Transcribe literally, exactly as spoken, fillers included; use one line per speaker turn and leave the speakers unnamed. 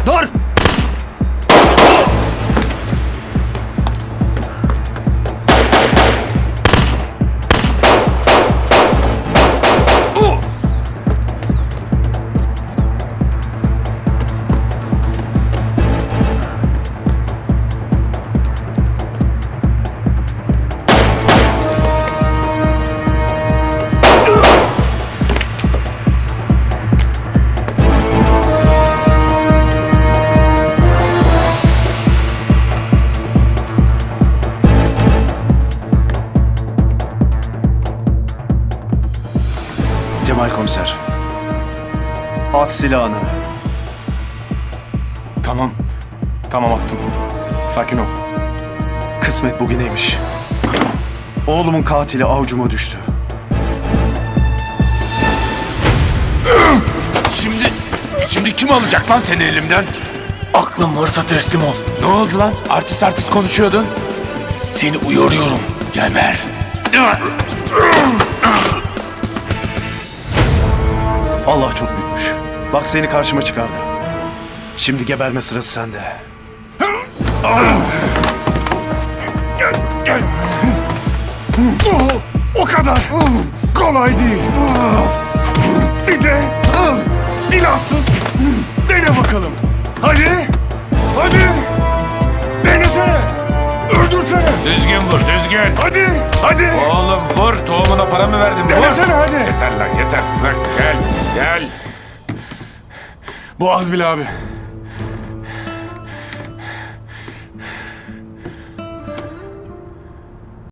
Dur! Cemal komiser. At silahını.
Tamam. Tamam attım. Sakin ol.
Kısmet bugüneymiş. Oğlumun katili avucuma düştü.
Şimdi, şimdi kim alacak lan seni elimden?
Aklın varsa teslim ol.
Ne oldu lan? Artist artist konuşuyordun.
Seni uyarıyorum.
Geber.
Allah çok büyükmüş. Bak seni karşıma çıkardı. Şimdi geberme sırası sende.
Gel, gel. O kadar kolay değil. Bir de silahsız dene bakalım. Hadi, hadi. Denesene. Öldürsene.
Düzgün vur, düzgün.
Hadi, hadi.
Oğlum vur, tohumuna para mı verdin? Vur.
Denesene hadi.
Yeter lan, yeter. Bırak, gel, gel.
Bu az bile abi.